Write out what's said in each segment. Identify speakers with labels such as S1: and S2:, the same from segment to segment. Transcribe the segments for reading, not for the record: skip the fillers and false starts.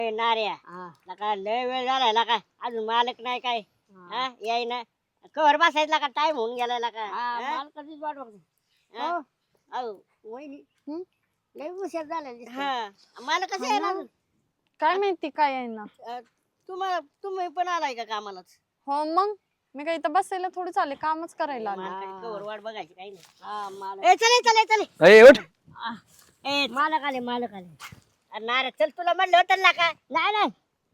S1: नार्या लका लय वेळ झालाय लका अजून मालक नाही काय याय ना कवर बसायला का टाइम होऊन गेलाय लका मालकाचीच वाट बघतो अहो वहिनी लय उशीर झाला मालक कसं आहे ना
S2: काय माहिती काय आहे ना
S1: तुम्ही पण आलाय का कामालाच
S2: हो मग मी काय इथं बसायला थोडी चालले कामच करायला
S1: कवर वाट बघायची काही नाही चले चले
S3: ए उठ
S1: मालक आले नारे चल तुला म्हणलं होतं ना का नाही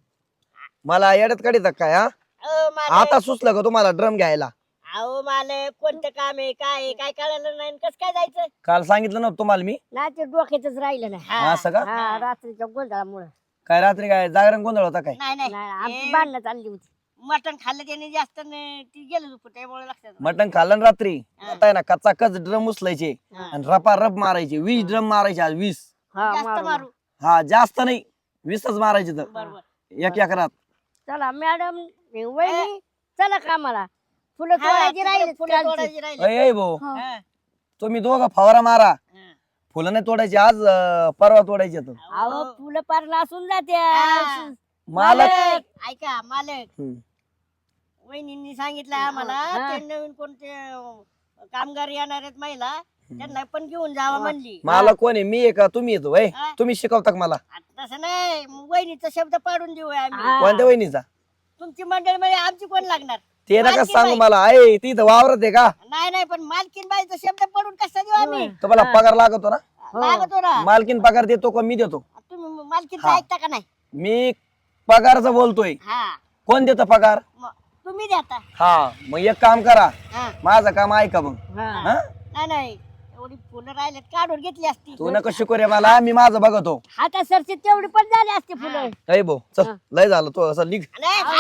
S3: मला येड्यात काढीत काय हा आता सुचलं का तुम्हाला ड्रम घ्यायला
S1: अहो मालक कोणतं काम आहे काय कळलं नाही कस काय जायचं
S3: काल सांगितलं नव्हतं तुम्हाला मी
S1: नाही ते डोक्यातच राहिलं नाही
S3: असं का
S1: रात्रीच्या गोंधळामुळे
S3: काय रात्री काय जागरण गोंधळ होता काय
S1: नाही आमची भांडणं चालली होती मटण खाल्लं त्याने जास्त ती गेलं त्यामुळे लक्षात
S3: मटण खाल्लं ना रात्री आता आहे ना कच्चा कच ड्रम उचलायचे आणि रपा रप मारायचे 20 ड्रम मारायचे आज 20
S1: जास्त मारू
S3: हा जास्त नाही 20च मारायचे तर
S1: बरोबर
S3: एक एकरात
S1: चला मॅडम वहिनी चला कामाला फुलं तोडायची राहिली
S3: अय भाऊ तुम्ही दोघं फवारा मारा फुलं नाही तोडायची आज परवा तोडायची
S1: अहो फुलं पार नासून जाते
S3: मालक
S1: ऐका मालक वहिनींनी सांगितलं आम्हाला ते नवीन कोणते कामगार येणार आहेत महिला त्यांना पण घेऊन जावा म्हणली
S3: मालक कोण आहे मी आहे का तुम्ही येतो वय तुम्ही शिकवता का मला
S1: तसं नाही वहिनीचा शब्द पाडून देऊ आम्ही
S3: कोणत्या वहिनीचा
S1: तुमची मंडळी मध्ये आमची कोण लागणार
S3: ते नका सांगू मला आहे ती तर वावरत आहे का
S1: नाही पण मालकीन बाईचा शब्द पडून कसा देऊ आम्ही
S3: तुम्हाला पगार लागतो ना
S1: लागतो ना
S3: मालकीन पगार देतो का मी देतो
S1: तुम्ही मालकीनचा ऐकता का नाही
S3: मी पगारचा बोलतोय कोण देतो पगार
S1: तुम्ही देता
S3: हा मग एक काम करा माझं काम ऐका मग
S1: नाही एवढी फुलं राहिलेत काढून घेतली असती
S3: तू नका शिकू रे मला मी माझं बघतो
S1: आता सरची तेवढी पण झाली असती फुलं
S3: अय भाऊ चल लय झालं तू असं लिख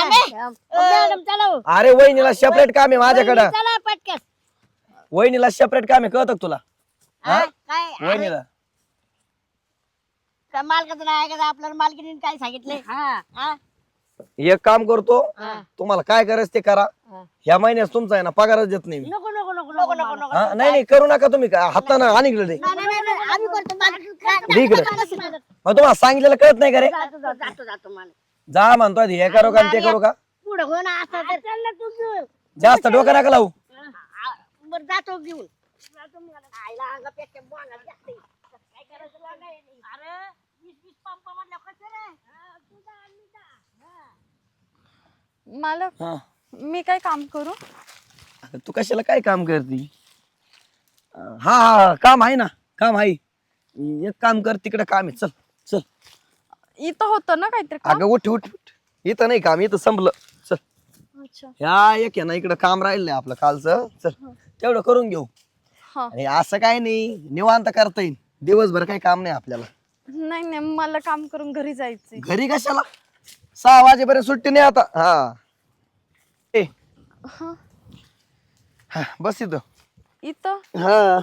S1: मॅडम चला
S3: अरे वहिनीला सेपरेट काम आहे माझ्याकडं
S1: चला पटकन
S3: वहिनीला सेपरेट काम आहे कळत तुला
S1: काय
S3: वहिनीला
S1: मालकाचं नाही ऐकायचं आपल्याला मालकीने काय सांगितलंय
S3: एक काम करतो तुम्हाला काय करायचं ते करा ह्या महिन्यात तुमचा आहे ना पगारच देत नाही मी
S1: नको नको नको नको नको नको
S3: हा, नाही करू नका तुम्ही हातानं आणि इकडे दे.
S1: आम्ही करतो
S3: दे इकडे मग तुम्हाला सांगितलेलं कळत नाही का रे
S1: जातो जातो मालक
S3: जा म्हणतोय हे करू का आणि ते करू का
S1: पुढे हो ना असं तर चल ना तू घेऊन
S3: जास्त डोकं नका लावू
S1: बरं जातो घेऊन जातो मग आईला अंगापेक्षा बोलायला जास्त काय करायचं नाही अरे 20 पंप म्हटलं कसं रे तुझा आणि
S2: मालक मी काय काम करू
S3: तू कशाला काय काम करती हा काम आहे ना काम आहे एक काम कर तिकडे काम आहे चल चल
S2: इथं होतं ना काहीतरी काम?
S3: अगं उठ उठ उठ इथं नाही काम इथं संपलं चल
S2: अच्छा
S3: ह्या एक आहे ना इकडं काम राहिलंय आपलं कालचं चल तेवढं करून घेऊ
S2: हा
S3: आणि असं काय नाही निवांत करता येईल दिवसभर काही काम नाही आपल्याला
S2: नाही मला काम करून घरी जायचंय
S3: घरी कशाला 6 वाजेपर्यंत सुट्टी नाही आता ए
S2: हा
S3: हा, बस इथं
S2: इथं
S3: हा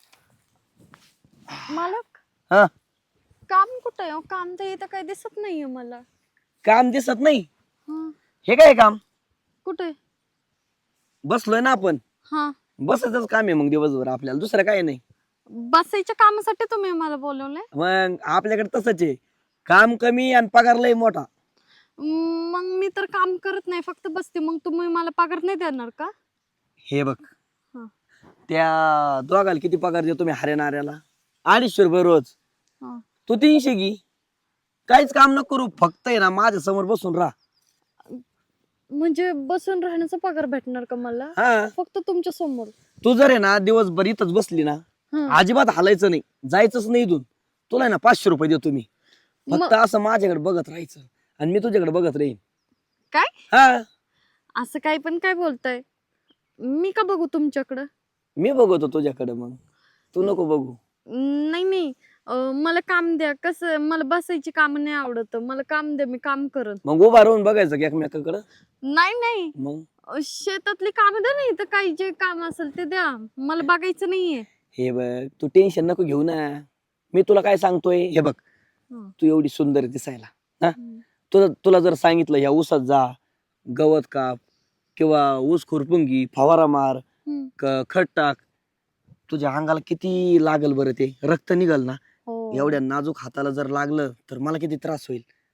S2: मालक
S3: हा
S2: काम कुठं आहे काम तर इथं काही दिसत नाहीये मला
S3: काम दिसत नाही
S2: हा
S3: हे काय काम
S2: कुठे
S3: बसलोय ना आपण
S2: हा
S3: बसायचंच काम आहे मग दिवसभर आपल्याला दुसरं काय नाही
S2: बसायच्या कामासाठी तुम्ही मला बोलवलंय
S3: मग आपल्याकडे तसंच आहे काम कमी आणि पगार लय मोठा
S2: मग मी तर काम करत नाही फक्त बसते मग तुम्ही मला पगार नाही देणार का
S3: हे बघ
S2: हा.
S3: त्या दोघाला किती पगार देतो मी हरियाणाऱ्याला 250 रुपये रोज
S2: हा.
S3: तू 300 घे काहीच काम नको करू फक्त आहे ना माझ्या समोर बसून राहा
S2: म्हणजे बसून राहण्याचा पगार भेटणार का मला
S3: हा
S2: फक्त तुमच्या समोर
S3: तू जर आहे ना दिवसभर इथंच बसली ना अजिबात हालायचं नाही जायचंच नाही इथून तुला आहे ना 500 रुपये देतो मी फक्त असं माझ्याकडे बघत राहायचं आणि मी तुझ्याकडे बघत राहीन
S2: काय
S3: हा
S2: असं काही पण काय बोलताय मी का बघू तुमच्याकडं
S3: मी बघतो तुझ्याकडे मग तू नको बघू
S2: नाही मला काम द्या कसं मला बसायची काम नाही आवडत मला काम द्या मी काम करत
S3: मग उभा राहून बघायचं की एकमेकाकडं
S2: नाही
S3: मग
S2: शेतातली काम द्या नाही तर काही जे काम असेल ते द्या मला बघायचं नाहीये
S3: हे बघ तू टेन्शन नको घेऊ ना मी तुला काय सांगतोय हे बघ तू एवढी सुंदर दिसायला हा तुला जर सांगितलं ह्या ऊसात जा गवत काप किंवा ऊस खुरपुंगी फवारा मार खत टाक तुझ्या अंगाला किती लागल बरं ते रक्त निघल ना एवढ्या नाजूक हाताला जर लागलं तर मला किती त्रास होईल हा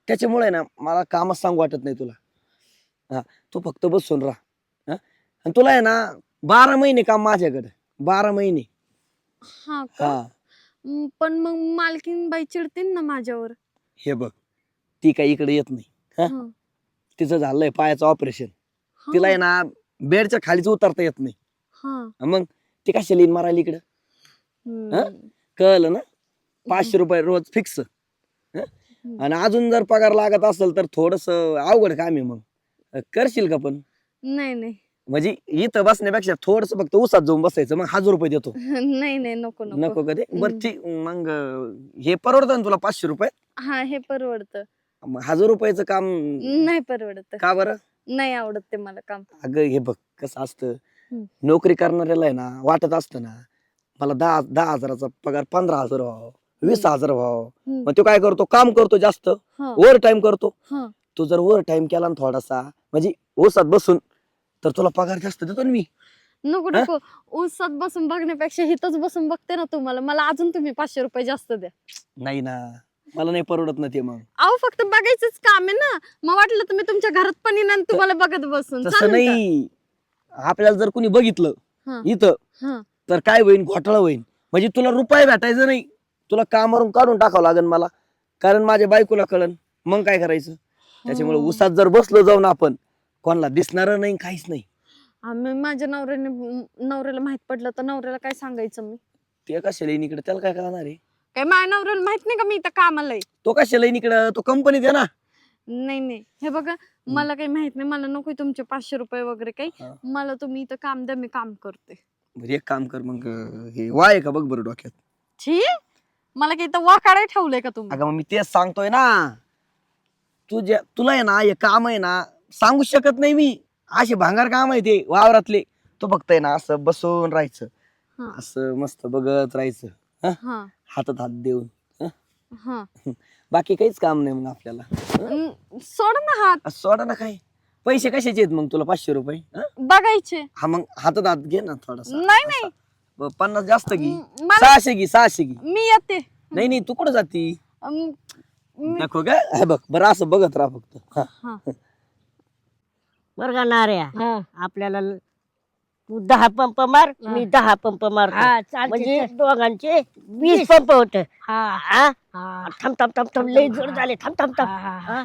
S3: त्याच्यामुळे ना मला कामच सांगू वाटत नाही तुला. हा, तू फक्त बसून राहा. आणि तुला आहे ना 12 महिने काम माझ्याकडे, 12 महिने.
S2: हा का?
S3: हा,
S2: पण मग मालकीन बाई चिडतील ना माझ्यावर.
S3: हे बघ, ती काही इकडे येत नाही. हा?
S2: हं.
S3: तिचं झालंय पायाचं ऑपरेशन.
S2: हा.
S3: तिला आहे ना बेडच्या खालीच उतरता येत नाही.
S2: हा.
S3: मग ती कशाला येईन मारायला इकडं?
S2: हम्म.
S3: कळलं ना? 500 रुपये रोज फिक्स. आणि अजून जर पगार लागत असेल तर थोडस अवघड काम आहे. मग करशील का? पण
S2: नाही नाही
S3: म्हणजे इथं बसण्यापेक्षा थोडस फक्त उसात जाऊन बसायचं, मग 1000 रुपये देतो.
S2: नाही नाही नको नको.
S3: नको कधी? बरं ठीक, मग हे परवडतं ना तुला 500 रुपये?
S2: हा हे परवडतं.
S3: मग 1000 रुपयाचं काम
S2: नाही परवडत.
S3: का बरं?
S2: नाही आवडत ते मला काम.
S3: अगं हे बघ कसं असतं,
S2: हम्म.
S3: नोकरी करणाऱ्याला आहे ना वाटत असतं ना मला 10,000चा पगार 15,000 व्हावं, 20,000 व्हावं.
S2: हम्म.
S3: मग तो काय करतो? काम करतो जास्त,
S2: हा.
S3: ओव्हर टाइम करतो.
S2: हा.
S3: तू जर ओव्हर टाइम केला ना थोडासा, म्हणजे ओसात बसून, तर तुला पगार जास्त देतो ना मी.
S2: नको नको. उसात बसून बघण्यापेक्षा हिथच बसून बघते ना तुम्हाला. मला अजून तुम्ही 500 रुपये जास्त द्या.
S3: नाही ना, मला नाही परवडत ना ते. मग
S2: अहो फक्त बघायचंच काम आहे ना. मग वाटलं तुम्ही तुमच्या घरात पण येईन आणि तुम्हाला बघत बसून
S3: तसं
S2: चालेल का?
S3: नाही. आपल्याला जर कोणी बघितलं
S2: हा.
S3: इथं,
S2: हा.
S3: तर काय होईल? घोटाळा होईल. म्हणजे तुला रुपये भेटायचं नाही, तुला कामावरून काढून टाकावं लागेल मला, कारण माझ्या बायकोला कळन. मग काय करायचं? त्याच्यामुळे उसात जर बसलो जाऊन आपण, कोणाला दिसणार नाही, काहीच नाही.
S2: आम्ही माझ्या नवऱ्याला माहित पडलं तर नवऱ्याला काय सांगायचं मी?
S3: ते कशाला येईन इकडे? त्याला काय करणार आहे?
S2: काय माझ्या नवऱ्याला माहित नाही का मी इथं कामाला आहे?
S3: तो कशाला येईन इकडं? तो कंपनीत आहे ना.
S2: नाही नाही हे बघा, मला काही माहित नाही. मला नको तुमचे 500 रुपये वगैरे काही.
S3: हा.
S2: मला तुम्ही इथं काम द्या, मी काम करते.
S3: बरं, एक काम कर मग, हे वाय का बघ बरं डोक्यात.
S2: छी, मला काही इथं वाकाडे ठेवलंय का तुम्ही?
S3: अगं मग मी तेच सांगतोय ना, तुला आहे ना हे काम आहे ना सांगू शकत नाही मी. असे भांगार काम आहे ते वावरातले. तो फक्त आहे ना असं बसून राहायचं,
S2: हा.
S3: असं मस्त बघत राहायचं,
S2: हा.
S3: हातात हात देऊन.
S2: हा.
S3: बाकी काहीच काम नाही मग आपल्याला.
S2: सोड ना हात.
S3: सोडा ना. काय पैसे कशाचे आहेत मग तुला 500 रुपये?
S2: बघायचे.
S3: हा, मग हातात हात घे ना थोडासा.
S2: नाही नाही
S3: 50 जास्त घे.
S2: मला
S3: 600 घे, 600 घे.
S2: मी येते.
S3: नाही नाही, तू कुठं जाती?
S2: अं,
S3: नको का? हे बघ बरं, असं बघत राहा फक्त. हा.
S2: हा.
S1: बरं का नाऱ्या, आपल्याला तू 10 पंप मार, मी 10 पंप मारतो. म्हणजे दोघांचे 20 पंप होत. थांब थांब थांब थांब, लय जोर झाले. थांब थांब थांब. हा?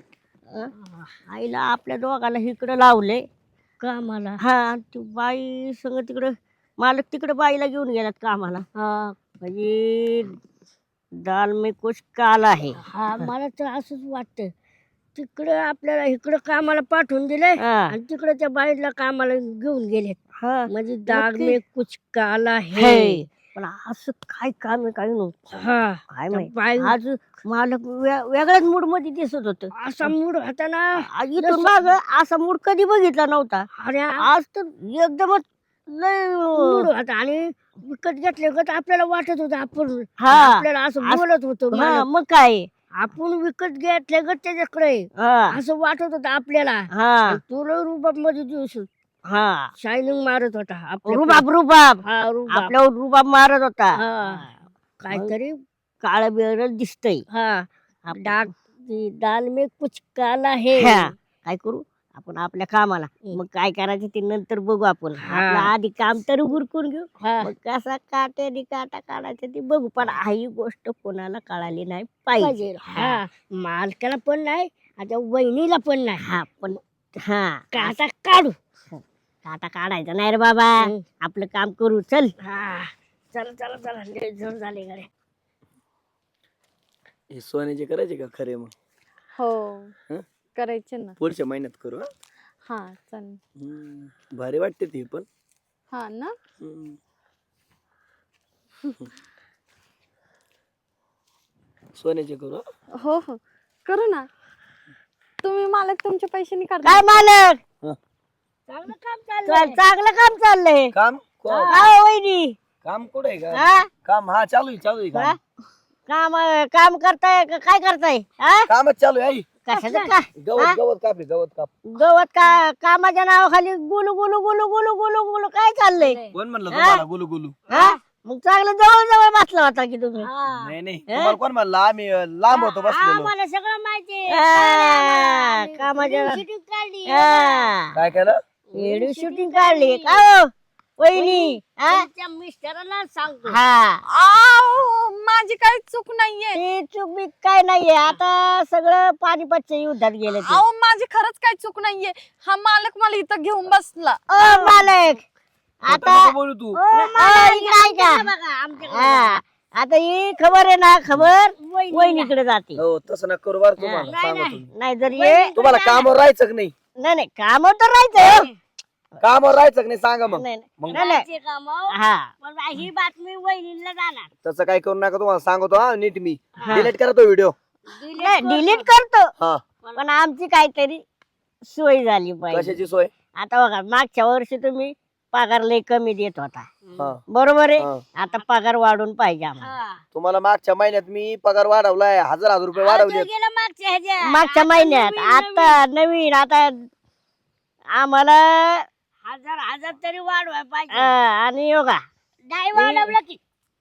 S1: आईला आपल्या दोघाला इकडं लावले कामाला. हा, ती बाई संग तिकडं मालक तिकडं बाईला घेऊन गेल्यात कामाला. म्हणजे दाल में कुछ काला है. मला तर असंच वाटतं, तिकडं आपल्याला इकडं कामाला पाठवून दिलंय आणि तिकडं त्या बाईला कामाला घेऊन गेलेत. म्हणजे दाल में कुछ काला है. पण असं काय काम आहे काय नव्हतं. काय माहिती, आज मालक वेगळ्याच मूड मध्ये दिसत होत. असा मूड होता ना, इथून माग असा मूड कधी बघितला नव्हता. अरे आज तर एकदमच लय मूड होता. आणि विकत घेतले का आपल्याला वाटत होतं आपण आपल्याला असं बोलत होतो. मग काय, आपण विकत घेतले ग त्याच्याकडे असं वाटत होतं आपल्याला. तुला रुबाब मध्ये दिवस शायनिंग मारत होता. रुबाब रुबाब आपल्यावर रुबाब मारत होता. काहीतरी काळ बिळ दिसतय. दाल में कुछ काला है. काय करू आपण आपल्या कामाला. मग काय करायचं ते नंतर बघू आपण. आपलं आधी काम तर उरकून घेऊ, मग कसा काट्याने काटा काढायचा ते बघू. पण ही गोष्ट कोणाला कळाली नाही पाहिजे. मालकाला पण नाही, आता वहिनीला पण नाही. पण काटा काढू. काटा काढायचा नाही रे बाबा, आपलं काम करू. चल चला चला चला, लय जोर झाले गाड्या.
S3: हे सोन्याचे करायचे का खरे? मग
S2: हो करायचे ना,
S3: पुढच्या महिन्यात करू.
S2: हा चालेल.
S3: भारी वाटते ते पण.
S2: हा ना.
S1: सोन्याचे करू.
S2: हो हो करू ना. तुम्ही मालक तुमचे पैसे नाही काढता.
S1: काय मालक, चांगलं काम चाललंय. चांगलं काम चाललंय.
S3: काम
S1: वहिनी
S3: काम कुठे आहे का? काम हा चालू आहे, चालू आहे काम.
S1: काम काम करताय का काय करताय?
S3: कामच चालू आहे.
S1: कशाचं का
S3: गवत गवत काप आहे, गवत काप.
S1: गवत का कामाच्या नावाखाली गुलू गुलू गुलू गुलू गुलू गुलू काय चाललंय?
S3: कोण म्हणलं तुम्हाला गुलू गुलू?
S1: मग चांगलं जवळ जवळ बसला होता की तुम्ही
S3: नाही नाही तुम्हाला कोण म्हणला आम्ही लांब होतो बसलेलो
S4: आम्हाला सगळं माहिती
S1: कामाच्या
S4: शूटिंग काढली
S3: काय केलं
S1: व्हिडिओ शूटिंग काढली का हो वहिनी
S4: तुमच्या मिस्टरांना सांगतो
S1: हा
S2: आव, माझी काही चूक नाहीये.
S1: ती चूक बी काय नाहीये आता सगळं पानिपतच्या युद्धात गेले ते.
S2: अहो माझी खरंच काही चूक नाहीये. हा मालक मला इथं घेऊन बसला.
S1: ओ मालक आता
S3: नको बोलू तू
S1: इकडे ऐका
S4: बघा आमच्याकडे
S1: हा आता ही खबर आहे ना खबर वहिनीकडे जाते
S3: हो तसं नका करू बरं तुम्हाला सांगा तुम्ही
S1: नाही जर ये
S3: तुम्हाला कामावर राहायचं का नाही
S1: नाही नाही काम तर राहायचं
S3: कामावर राहायचं का नाही सांगा मग
S1: नाही
S3: मग
S1: नाही नाही
S4: ते काम
S1: हा
S4: पण ही बातमी वहिनीला जाणार
S3: तसं काय करू नका तुम्हाला सांगतो हा नीट मी डिलीट करा तो व्हिडिओ
S1: नाही डिलीट करतो
S3: हा
S1: पण आमची काहीतरी सोय झाली पाहिजे
S3: कशाची सोय
S1: आता बघा मागच्या वर्षी तुम्ही पगार लय कमी देत होता
S3: हा
S1: बरोबर आहे
S3: हा.
S1: आता पगार वाढून पाहिजे आम्हाला
S4: हा.
S3: तुम्हाला मागच्या महिन्यात मी पगार वाढवलाय 1000 रुपये वाढवले
S4: गेला मागच्या ह्याच्या
S1: मागच्या महिन्यात आता नवीन आता आम्हाला
S4: हजार तरी वाढवाय पाहिजे
S1: आणि योगा
S4: नाही वाढवलं की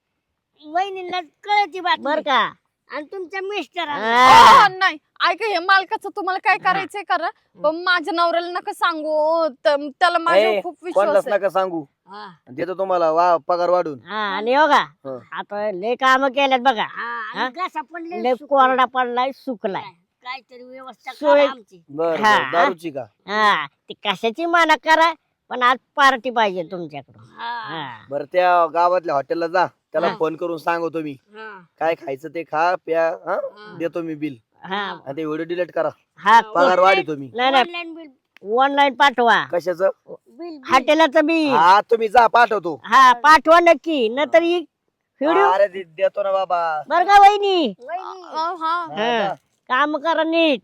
S4: वहिनीला कळती बातमी
S1: बर का
S4: आणि तुमच्या मिस्टरांना
S1: हा.
S2: नाही ऐका हे मालकाचं तुम्हाला काय करायचंय करा पण माझ्या नवऱ्याला नका सांगू त्याला माझ्यावर
S3: ए,
S2: खूप विश्वास
S3: कोणालाच
S2: आहे.
S3: नका सांगू
S4: हा.
S3: देतो तुम्हाला पगार वाढून
S1: हा आणि योगा
S3: हा.
S1: आता लय काम केल्यात बघा
S4: हा, आणि घसा पडले
S1: लय कोरडा पडलाय सुकलाय
S4: काहीतरी व्यवस्था
S1: सोय-
S4: करा आमची
S3: बर
S1: हा.
S3: दारूची का
S1: हा ती कशाची माना करा पण आज पार्टी पाहिजे तुमच्याकडून
S4: हा.
S1: हा.
S3: बर त्या गावातल्या हॉटेलला जा त्याला
S1: हा.
S3: फोन करून सांगतो मी
S4: हा.
S3: काय खायचं ते खा प्या हा? देतो मी बिल
S1: हा
S3: आणि ते व्हिडिओ डिलीट करा
S1: हा
S3: पगार वाढतो मी
S1: नाही नाही
S4: ऑनलाईन बिल
S1: ऑनलाईन पाठवा
S3: कशाच
S4: बिल
S1: हॉटेलाचं बी
S3: हा तुम्ही जा पाठवतो
S1: हा पाठवा नक्की नंतर व्हिडिओ
S3: अरे देतो ना बाबा
S1: बर का वहिनी
S4: वहिनी.
S2: हा
S3: हा,
S1: काम करा नीट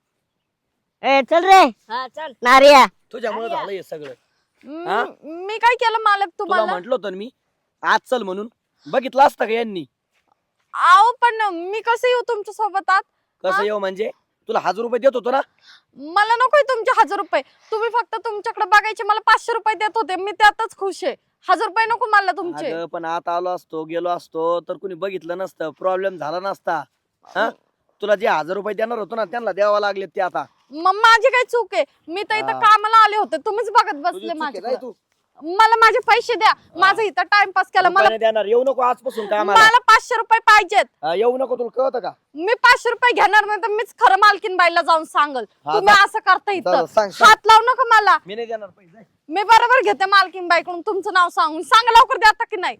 S1: ए चल रे
S4: हा चल
S1: नारिया
S3: तुझ्यामुळे झालं हे सगळं हा?
S2: मी काय केलं मालक
S3: तुला
S2: तुम्हाला
S3: म्हंटल होतं ना मी आज चल म्हणून बघितलं असतं का यांनी
S2: आहो पण मी कसं येऊ तुमच्या सोबत आत
S3: कसं येऊ म्हणजे तुला 1000 रुपये देत होतो ना
S2: मला नकोय तुमचे 1000 रुपये तुम्ही फक्त तुमच्याकडे बघायचे मला 500 रुपये देत होते मी त्यातच खुश आहे 1000 रुपये नको मला तुमचे
S3: अगं पण आता आलो असतो गेलो असतो तर कुणी बघितलं नसतं प्रॉब्लेम झाला नसता हा तुला जे 1000 रुपये देणार होतो ना त्यांना द्यावा लागले ते आता
S2: मग माझी काय चूक आहे मी तर इथं
S3: हा.
S2: कामाला आले होते तुम्हीच बघत
S3: तुझी
S2: बसले
S3: चूक आहे,
S2: माझ्याकडे
S3: जाय तू
S2: मला माझे पैसे द्या माझं इथं टाइमपास केला मला
S3: रुपयाने देणार येऊ नको आजपासून कामाला
S2: मला 500 रुपये पाहिजेत
S3: येऊ नको तुला कळतं का
S2: मी 500 रुपये घेणार नाही तर मीच खरं मालकीन बाईला जाऊन सांगल
S3: हा,
S2: तुम्ही
S3: जा.
S2: असं करता
S3: जा,
S2: इथं
S3: सांग, सांग.
S2: हात लावू नका मला
S3: मी नाही देणार पैसे
S2: मी बरोबर घेते मालकीन बाईकडून तुमचं नाव सांगून सांगा लवकर द्या आता की नाही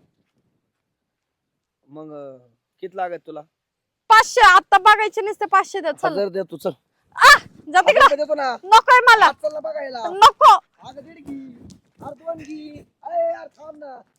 S3: मग किती लागत तुला
S2: 500 आता बघायचे नसते 500 द्या चल
S3: 1000 दे तू चल
S2: जा
S3: 1000
S2: तिकडं
S3: रुपये देतो ना
S2: नकोय मला
S3: आज चल ना बघायला
S2: नको
S3: अगं दीड घी अर्धवण घी अरे यार थांब ना